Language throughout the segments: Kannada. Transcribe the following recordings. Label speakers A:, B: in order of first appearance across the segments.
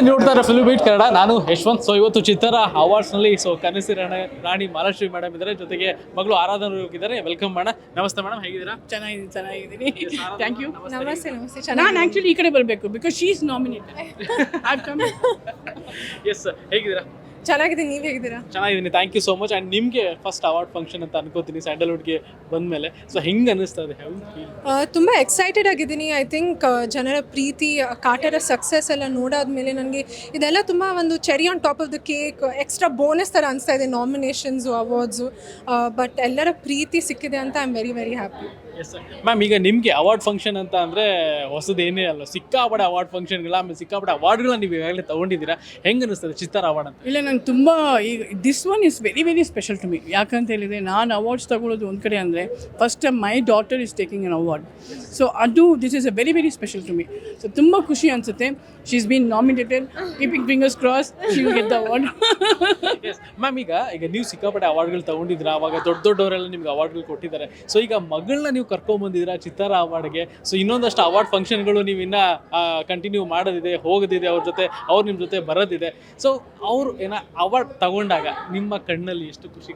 A: ನೋಡ್ತಾರೆ ಫಿಲ್ಮ್ ಬೀಟ್ ಕನ್ನಡ. ನಾನು ಯಶವಂತ್. ಸೊ ಇವತ್ತು ಚಿತ್ತರ ಅವಾರ್ಡ್ಸ್ನಲ್ಲಿ ಕನಸಿ ರಾಣಿ ಮಹಾಲಕ್ಷ್ಮಿ ಮೇಡಮ್ ಇದ್ದಾರೆ, ಜೊತೆಗೆ ಮಗಳು ಆರಾಧನ ಹೋಗಿದ್ದಾರೆ. Welcome madam. ನಮಸ್ತೆ ಮೇಡಮ್, ಹೇಗಿದ್ದೀರಾ?
B: ಚೆನ್ನಾಗಿದ್ದೀನಿ. Thank you. ನಮಸ್ತೆ. ನಾನು ಆ್ಯಕ್ಚುಲಿ ಈ ಕಡೆ ಬರಬೇಕು because she is nominated.
A: Yes, ಹೇಗಿದ್ದೀರಾ?
C: ಚೆನ್ನಾಗಿದ್ದೀನಿ, ನೀವು ಹೇಗಿದ್ದೀರಾ?
A: ಚೆನ್ನಾಗಿದ್ದೀನಿ, thank you so much. And ನಿಮಗೆ ಫಸ್ಟ್ ಅವಾರ್ಡ್ ಫಂಕ್ಷನ್ ಅಂತ ಅನ್ಕೋತೀನಿ ಸ್ಯಾಂಡಲ್ವುಡ್ಗೆ ಬಂದಮೇಲೆ. ಸೊ ಹೆಂಗೆ ಅನ್ನಿಸ್ತಾ ಇದೆ?
C: ತುಂಬ ಎಕ್ಸೈಟೆಡ್ ಆಗಿದ್ದೀನಿ. ಐ ಥಿಂಕ್ ಜನರ ಪ್ರೀತಿ, ಕಾಟರ ಸಕ್ಸಸ್ ಎಲ್ಲ ನೋಡಾದ್ಮೇಲೆ ನನಗೆ ಇದೆಲ್ಲ ತುಂಬ ಒಂದು cherry on top of the cake, extra bonus ಥರ ಅನಿಸ್ತಾ ಇದೆ. ನಾಮಿನೇಷನ್ಸು, ಅವಾರ್ಡ್ಸು, ಬಟ್ ಎಲ್ಲರ ಪ್ರೀತಿ ಸಿಕ್ಕಿದೆ ಅಂತ I am very very happy.
A: Yes ma'am, ಈಗ ನಿಮಗೆ ಅವಾರ್ಡ್ ಫಂಕ್ಷನ್ ಅಂತ ಅಂದರೆ ಹೊಸದೇನೇ ಅಲ್ಲ, ಸಿಕ್ಕಾಪಡೆ ಅವಾರ್ಡ್ ಫಂಕ್ಷನ್ಗಳ, ಆಮೇಲೆ ಸಿಕ್ಕಾಪಡೆ ಅವಾರ್ಡ್ಗಳನ್ನ ನೀವು ಈಗಾಗಲೇ ತೊಗೊಂಡಿದ್ದೀರಾ. ಹೆಂಗೆ ಅನ್ನಿಸ್ತದೆ ಚಿತ್ತಾರ ಅವಾರ್ಡ್ ಅಂತ?
B: ಇಲ್ಲ, ನಂಗೆ ತುಂಬ ಈಗ this one is very very special to me. ಯಾಕಂತ ಹೇಳಿದರೆ ನಾನು ಅವಾರ್ಡ್ಸ್ ತಗೊಳ್ಳೋದು ಒಂದು ಕಡೆ ಅಂದರೆ first time my daughter is taking an award. So ಅದು this is a very very special to me. So ತುಂಬ ಖುಷಿ ಅನಿಸುತ್ತೆ. She is been nominated. Keeping fingers cross, she will get the award.
A: Yes ma'am, ಈಗ ನೀವು ಸಿಕ್ಕಾಪಟ್ಟೆ ಅವಾರ್ಡ್ಗಳು ತೊಗೊಂಡಿದ್ದೀರಾ, ಅವಾಗ ದೊಡ್ಡವರೆಲ್ಲ ನಿಮ್ಗೆ ಅವಾರ್ಡ್ಗಳು ಕೊಟ್ಟಿದ್ದಾರೆ. ಸೊ ಈಗ ಮಗಳನ್ನ ನೀವು ಕರ್ಕೊಂಬಂದಿದ್ದೀರಾ ಚಿತ್ತಾರ ಅವಾರ್ಡ್ಗೆ. ಸೊ ಇನ್ನೊಂದಷ್ಟು ಅವಾರ್ಡ್ ಫಂಕ್ಷನ್ಗಳು ನೀವು ಇನ್ನೂ ಕಂಟಿನ್ಯೂ ಮಾಡೋದಿದೆ, ಹೋಗೋದಿದೆ, ಅವ್ರ ಜೊತೆ ಅವ್ರು ನಿಮ್ಮ ಜೊತೆ ಬರೋದಿದೆ. ಸೊ ಅವರು ಅವಾರ್ಡ್ ತಗೊಂಡಾಗ ನಿಮ್ಮ ಕಣ್ಣಲ್ಲಿ ಎಷ್ಟು ಖುಷಿ?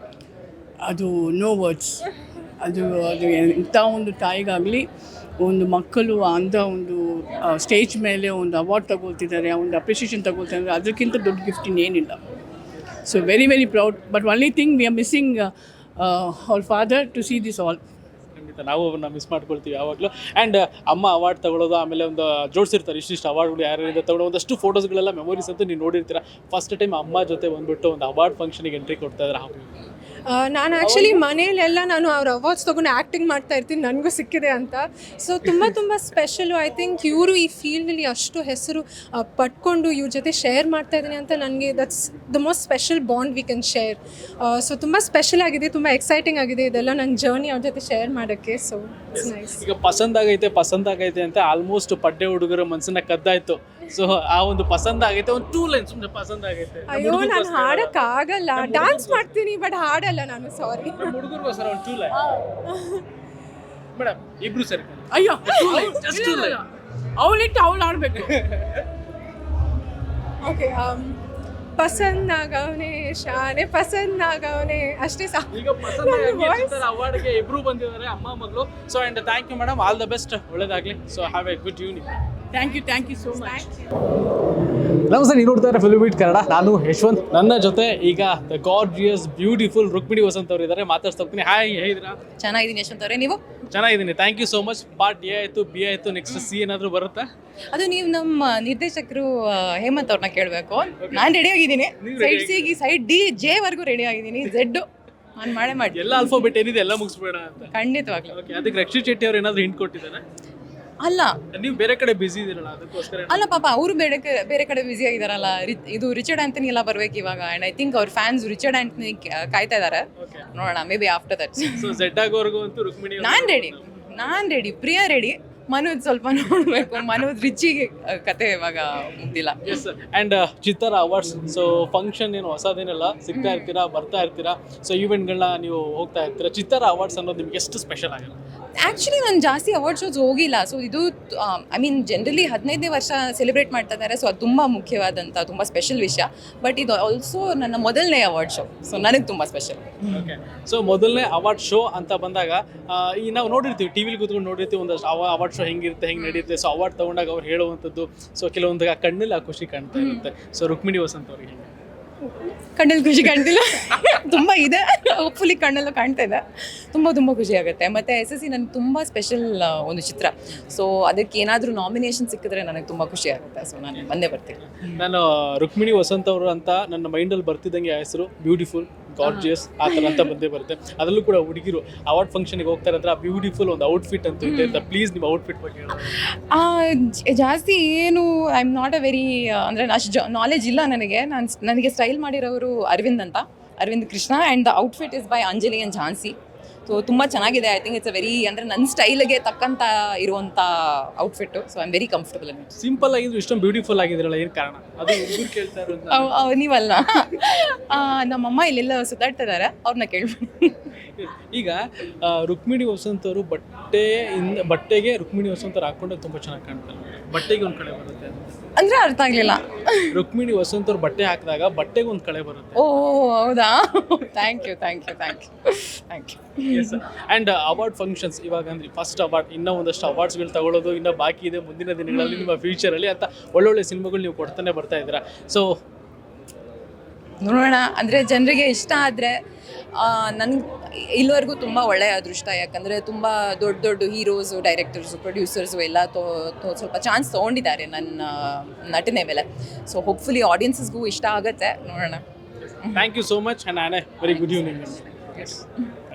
B: ಅದು ನೋ ವರ್ಡ್ಸ್. ಅದು ಇಂಥ ಒಂದು ತಾಯಿಗಾಗಲಿ, ಒಂದು ಮಕ್ಕಳು ಅಂಥ ಒಂದು ಸ್ಟೇಜ್ ಮೇಲೆ ಒಂದು ಅವಾರ್ಡ್ ತಗೊಳ್ತಿದ್ದಾರೆ, ಒಂದು ಅಪ್ರಿಷಿಯೇಷನ್ ತಗೊಳ್ತಿದ್ದಾರೆ, ಅದಕ್ಕಿಂತ ದೊಡ್ಡ ಗಿಫ್ಟ್ ಇನ್ನೇನಿಲ್ಲ. So very very proud. But only thing we are missing our father to see this all.
A: ಖಂಡಿತ ನಾವು ಅವ್ರನ್ನ ಮಿಸ್ ಮಾಡ್ಕೊಳ್ತೀವಿ ಯಾವಾಗಲೂ. ಆ್ಯಂಡ್ ಅಮ್ಮ ಅವಾರ್ಡ್ ತಗೊಳ್ಳೋದು, ಆಮೇಲೆ ಒಂದು ಜೋಡಿಸಿರ್ತಾರೆ ಇಷ್ಟಿಷ್ಟು ಅವಾರ್ಡ್ಗಳು ಯಾರಿಂದ ತಗೊಳ್ಳೋ ಒಂದಷ್ಟು ಫೋಟೋಸ್ಗಳೆಲ್ಲ ಮೆಮೊರೀಸ್ ಅಂತೂ ನೀವು ನೋಡಿರ್ತೀರ. ಫಸ್ಟ್ ಟೈಮ್ ಅಮ್ಮ ಜೊತೆ ಬಂದುಬಿಟ್ಟು ಒಂದು ಅವಾರ್ಡ್ ಫಂಕ್ಷನಿಗೆ ಎಂಟ್ರಿ ಕೊಡ್ತಾ ಇದ್ದಾರೆ.
C: ನಾನು ಆ್ಯಕ್ಚುಲಿ ಮನೇಲೆಲ್ಲ ನಾನು ಅವ್ರ ಅವಾರ್ಡ್ಸ್ ತೊಗೊಂಡು ಆ್ಯಕ್ಟಿಂಗ್ ಮಾಡ್ತಾ ಇರ್ತೀನಿ, ನನಗೂ ಸಿಕ್ಕಿದೆ ಅಂತ. ಸೊ ತುಂಬ ಸ್ಪೆಷಲು. ಐ ಥಿಂಕ್ ಇವರು ಈ ಫೀಲ್ಡಲ್ಲಿ ಅಷ್ಟು ಹೆಸರು ಪಡ್ಕೊಂಡು ಇವ್ರ ಜೊತೆ ಶೇರ್ ಮಾಡ್ತಾ ಇದ್ದೀನಿ ಅಂತ ನನಗೆ that's the most special bond we can share. So ತುಂಬ ಸ್ಪೆಷಲ್ ಆಗಿದೆ, ತುಂಬ ಎಕ್ಸೈಟಿಂಗ್ ಆಗಿದೆ ಇದೆಲ್ಲ ನನ್ನ ಜರ್ನಿ ಅವ್ರ ಜೊತೆ ಶೇರ್ ಮಾಡೋಕ್ಕೆ. So it's nice.
A: ಈಗ ಪಸಂದಾಗೈತೆ ಅಂತ ಆಲ್ಮೋಸ್ಟ್ ಪಡ್ಡೆ ಹುಡುಗರ ಮನಸ್ಸನ್ನ ಕದ್ದಾಯ್ತು. ಸೊ ಆ ಒಂದು ಪಸಂದಾಗೈತೆ, ಒಂದು 2 ಲೈನ್ಸ್ ಸುಮ್ಮನೆ ಪಸಂದಾಗೈತೆ.
C: ಅಯ್ಯೋ, ನಾನು ಹಾಡೋಕ್ಕಾಗಲ್ಲ, ಡಾನ್ಸ್ ಮಾಡ್ತೀನಿ ಬಟ್ ಹಾಡಲ್ಲ ನಾನು, ಸಾರಿ.
A: ಹುಡುಗರಿಗೋಸ್ಕರ ಒಂದು 2 ಲೈನ್ ಮೇಡಮ್, ಇಬ್ರು ಸರಿ.
B: ಅಯ್ಯೋ,
A: just 2 ಲೈನ್.
B: ಅವಳಿಟ್ಟು ಅವಳು ಆಡಬೇಕು.
C: ಓಕೆ, ಪಸಂದ್ ಆಗವನೆ ಶಾನೆ, ಪಸಂದ್ ಆಗವನೆ, ಅಷ್ಟೇ ಸಾಕು.
A: ಈಗ ಅವಾರ್ಡ್ಗೆ ಇಬ್ರು ಬಂದಿದ್ದಾರೆ, ಅಮ್ಮ ಮಗಳು. So and thank you madam, all the best, ಒಳ್ಳೇದಾಗಲಿ. So have a good evening.
B: Thank you so much.
A: ನಮಸ್ತೆ, ನೀವು ನೋಡ್ತಾ ಇದ್ದಾರೆ ಫಿಲ್ಮ್ ಬೀಟ್ ಕನ್ನಡ. ನಾನು ಯಶವಂತ್. ನನ್ನ ಜೊತೆ ಈಗ the gorgeous beautiful Rukmini Vasanth ಅವರು ಇದ್ದಾರೆ, ಮಾತಾಡ್ತಾ ಹೋಗ್ತೀನಿ. ಹಾಯ್, ಹೇಗಿದ್ದೀರಾ?
D: ಚೆನ್ನಾಗಿದ್ದೀನಿ ಯಶವಂತ್ ಅವರೇ, ನೀವು?
A: ಚೆನ್ನಾಗಿದ್ದೀನಿ, thank you so much. Part A ಆಯಿತು, ಬಿ ಆಯಿತು, ನೆಕ್ಸ್ಟ್ ಸಿ ಏನಾದರೂ ಬರುತ್ತಾ?
D: ಅದು ನೀವು ನಮ್ಮ ನಿರ್ದೇಶಕರು ಹೇಮಂತ್ ಅವ್ರನ್ನ ಕೇಳಬೇಕು. ನಾನು ರೆಡಿ ಆಗಿದ್ದೀನಿ, ಸೈಡ್ ಸಿಗೆ ಸೈಡ್ ಡಿ ಜೆ ವರ್ಗೂ ರೆಡಿ ಆಗಿದ್ದೀನಿ. ಝೆಡ್ ನಾನು ಮಾಡಿ
A: ಎಲ್ಲ ಆಲ್ಫಾಬೆಟ್ ಏನಿದೆ ಎಲ್ಲ ಮುಗಿಸ್ಬೇಡ ಅಂತ.
D: ಖಂಡಿತವಾಗ್ಲೂ.
A: ಓಕೆ, ಅದಕ್ಕೆ ರಕ್ಷಿತ್ ಶೆಟ್ಟಿ ಅವ್ರು ಏನಾದರೂ ಹಿಂಟ್ ಕೊಟ್ಟಿದ್ದಾರೆ?
D: ಅಲ್ಲ,
A: ನೀವು ಬೇರೆ ಕಡೆ ಬಿಸಿ ಇದ್ದೀರಲ್ಲ, ಅದಕ್ಕೋಸ್ಕರ.
D: ಅಲ್ಲ ಪಾಪ, ಅವರು ಬೇರೆ ಕಡೆ ಬ್ಯುಸಿ ಆಗಿದಾರಲ್ಲ. ಇದು ರಿಚರ್ಡ್ ಆಂಟನಿ ಎಲ್ಲ ಬರ್ಬೇಕು ಇವಾಗ. ಅಂಡ್ ಐ ಥಿಂಕ್ ಅವ್ರ ಫ್ಯಾನ್ಸ್ ರಿಚರ್ಡ್ ಆಂಟನಿ ಕಾಯ್ತಾ ಇದ್ದಾರೆ. ನೋಡೋಣ, maybe after that.
A: So Z ಆಗೋರ್ಗು ಅಂತೂ ರುಕ್ಮಿಣಿ
D: ನಾನು ರೆಡಿ, ಪ್ರಿಯಾ ರೆಡಿ. ಮನೋಜ್ ಸ್ವಲ್ಪ ನೋಡಬೇಕು, ಮನೋಜ್ ರಿಚಿಗೆ ಕತೆ ಇವಾಗ ಮುಗ್ದಿಲ್ಲ.
A: Yes. And Chittara awards, so function ಏನು ಹೊಸದೇನಲ್ಲ, ಸಿಗ್ತಾ ಇರ್ತೀರಾ, ಬರ್ತಾ ಇರ್ತೀರಾ. ಸೊ ಈವೆಂಟ್ಗಳನ್ನ ನೀವು ಹೋಗ್ತಾ ಇರ್ತೀರಾ. ಚಿತ್ತಾರ ಅವಾರ್ಡ್ಸ್ ಅನ್ನೋದು ನಿಮ್ಗೆ ಎಷ್ಟು ಸ್ಪೆಷಲ್ ಆಗಿದೆ?
D: ಆ್ಯಕ್ಚುಲಿ ನಾನು ಜಾಸ್ತಿ ಅವಾರ್ಡ್ ಶೋಸ್ ಹೋಗಿಲ್ಲ. ಸೊ ಇದು ಐ ಮೀನ್ ಜನರಲಿ 15ನೇ ವರ್ಷ ಸೆಲೆಬ್ರೇಟ್ ಮಾಡ್ತಾ ಇದ್ದಾರೆ. ಸೊ ಅದು ತುಂಬ ಮುಖ್ಯವಾದಂಥ, ತುಂಬ ಸ್ಪೆಷಲ್ ವಿಷಯ. ಬಟ್ ಇದು ಆಲ್ಸೋ ನನ್ನ ಮೊದಲನೇ ಅವಾರ್ಡ್ ಶೋ. ಸೊ ನನಗೆ ತುಂಬ ಸ್ಪೆಷಲ್.
A: ಓಕೆ, ಸೊ ಮೊದಲನೇ ಅವಾರ್ಡ್ ಶೋ ಅಂತ ಬಂದಾಗ ಈ ನಾವು ನೋಡಿರ್ತೀವಿ, ಟಿ ವಿಲಿ ಕೂತ್ಕೊಂಡು ನೋಡಿರ್ತೀವಿ ಒಂದಷ್ಟು ಅವಾರ್ಡ್ ಶೋ ಹೆಂಗಿರುತ್ತೆ, ಹೆಂಗೆ ನಡೆಯುತ್ತೆ. ಸೊ ಅವಾರ್ಡ್ ತೊಗೊಂಡಾಗ ಅವ್ರು ಹೇಳುವಂಥದ್ದು, ಸೊ ಕೆಲವೊಂದು ಕಣ್ಣಲ್ಲಿ ಆ ಖುಷಿ ಕಾಣ್ತಾ ಇರುತ್ತೆ. ಸೊ ರುಕ್ಮಿಣಿ ವಸಂತ್ ಅವ್ರಿಗೆ ಹೆಂಗೆ?
D: ಕಣ್ಣಲ್ಲಿ ಖುಷಿ ಕಾಣ್ತಿಲ್ಲ, ತುಂಬ ಇದೆ. ಹೋಪ್ಫುಲಿ ಕಣ್ಣಲ್ಲೂ ಕಾಣ್ತಾ ಇದೆ. ತುಂಬ ಖುಷಿ ಆಗುತ್ತೆ. ಮತ್ತು SSC ನನಗೆ ತುಂಬ ಸ್ಪೆಷಲ್ ಒಂದು ಚಿತ್ರ. ಸೊ ಅದಕ್ಕೆ ಏನಾದರೂ ನಾಮಿನೇಷನ್ ಸಿಕ್ಕಿದ್ರೆ ನನಗೆ ತುಂಬ ಖುಷಿ ಆಗುತ್ತೆ. ಸೊ ನಾನು ಬಂದೇ ಬರ್ತೀನಿ.
A: ನಾನು ರುಕ್ಮಿಣಿ ವಸಂತ್ ಅವರು ಅಂತ ನನ್ನ ಮೈಂಡಲ್ಲಿ ಬರ್ತಿದ್ದಂಗೆ ಆ ಹೆಸರು ಬ್ಯೂಟಿಫುಲ್, ಗಾರ್ಜಿಯಸ್ ಆ ಥರ ಅಂತ ಬಂದೇ ಬರುತ್ತೆ. ಅದರಲ್ಲೂ ಕೂಡ ಹುಡುಗಿರು ಅವಾರ್ಡ್ ಫಂಕ್ಷನ್ಗೆ ಹೋಗ್ತಾರೆ ಅಂದರೆ ಆ ಬ್ಯೂಟಿಫುಲ್ ಒಂದು ಔಟ್ಫಿಟ್ ಅಂತೂ ಇದೆ ಅಂತ. ಪ್ಲೀಸ್ ನಿಮ್ಮ ಔಟ್ಫಿಟ್ ಬಗ್ಗೆ ಹೇಳಿ.
D: ಜಾಸ್ತಿ ಏನು I am not a very ಅಂದರೆ ಅಷ್ಟು ನಾಲೆಜ್ ಇಲ್ಲ ನನಗೆ. ನನಗೆ ಸ್ಟೈಲ್ ಮಾಡಿರೋರು Aravind Krishna. And the outfit is by Anjali and Jhansi. So ತುಂಬ ಚೆನ್ನಾಗಿದೆ. I think it's a very, ಅಂದರೆ ನನ್ನ ಸ್ಟೈಲ್ಗೆ ತಕ್ಕಂಥ ಇರುವಂಥ outfit. So I am very comfortable in it.
A: Simple ಆಗಿದ್ರು ಇಷ್ಟೊಂದು ಬ್ಯೂಟಿಫುಲ್ ಆಗಿದ್ರಲ್ಲ, ಏನು ಕಾರಣ? ಅದು ಹುಡುಗರು ಕೇಳ್ತಾ ಇರೋದು.
D: ನೀವಲ್ಲ, ನಮ್ಮಮ್ಮ ಇಲ್ಲೆಲ್ಲ ಸುತ್ತಾಡ್ತಾ ಇದ್ದಾರೆ, ಅವ್ರನ್ನ ಕೇಳ್ಬಿಡಿ.
A: ಈಗ ರುಕ್ಮಿಣಿ ವಸಂತ್ ಅವರು ಬಟ್ಟೆಗೆ ರುಕ್ಮಿಣಿ ವಸಂತ್ ಅವ್ರು ಹಾಕೊಂಡಾಗ ತುಂಬ ಚೆನ್ನಾಗಿ ಕಾಣ್ತಾರೆ. ಬಟ್ಟೆಗೆ ಒಂದು ಕಡೆ ಬರುತ್ತೆ.
D: ಅಂದರೆ ಅರ್ಥ ಆಗಲಿಲ್ಲ.
A: ರುಕ್ಮಿಣಿ ವಸಂತ್ ಅವ್ರು ಬಟ್ಟೆ ಹಾಕಿದಾಗ ಬಟ್ಟೆಗೆ ಒಂದು ಕಳೆ ಬರುತ್ತೆ.
D: ಓ ಹೌದಾ, thank you thank you thank you thank you.
A: And award functions ಇವಾಗ ಅಂದ್ರೆ ಫಸ್ಟ್ ಅವಾರ್ಡ್, ಇನ್ನೂ ಒಂದಷ್ಟು ಅವಾರ್ಡ್ಸ್ಗಳು ತಗೊಳ್ಳೋದು ಇನ್ನೂ ಬಾಕಿ ಇದೆ ಮುಂದಿನ ದಿನಗಳಲ್ಲಿ ನಿಮ್ಮ ಫ್ಯೂಚರಲ್ಲಿ ಅಂತ ಒಳ್ಳೊಳ್ಳೆ ಸಿನಿಮಾಗಳು ನೀವು ಕೊಡ್ತಾನೆ ಬರ್ತಾ ಇದ್ದೀರಾ. ಸೊ
D: ನೋಡೋಣ, ಅಂದರೆ ಜನರಿಗೆ ಇಷ್ಟ ಆದರೆ ನನಗೆ ಇಲ್ಲಿವರೆಗೂ ತುಂಬ ಒಳ್ಳೆಯ ಅದೃಷ್ಟ. ಯಾಕಂದರೆ ತುಂಬ ದೊಡ್ಡ ದೊಡ್ಡ ಹೀರೋಸು, ಡೈರೆಕ್ಟರ್ಸು, ಪ್ರೊಡ್ಯೂಸರ್ಸು ಎಲ್ಲ ಸ್ವಲ್ಪ ಚಾನ್ಸ್ ತೊಗೊಂಡಿದ್ದಾರೆ ನನ್ನ ನಟನೆ ಮೇಲೆ. ಸೊ ಹೋಪ್ಫುಲಿ ಆಡಿಯನ್ಸಸ್ಗೂ ಇಷ್ಟ ಆಗುತ್ತೆ, ನೋಡೋಣ.
A: Thank you so much and a very good evening.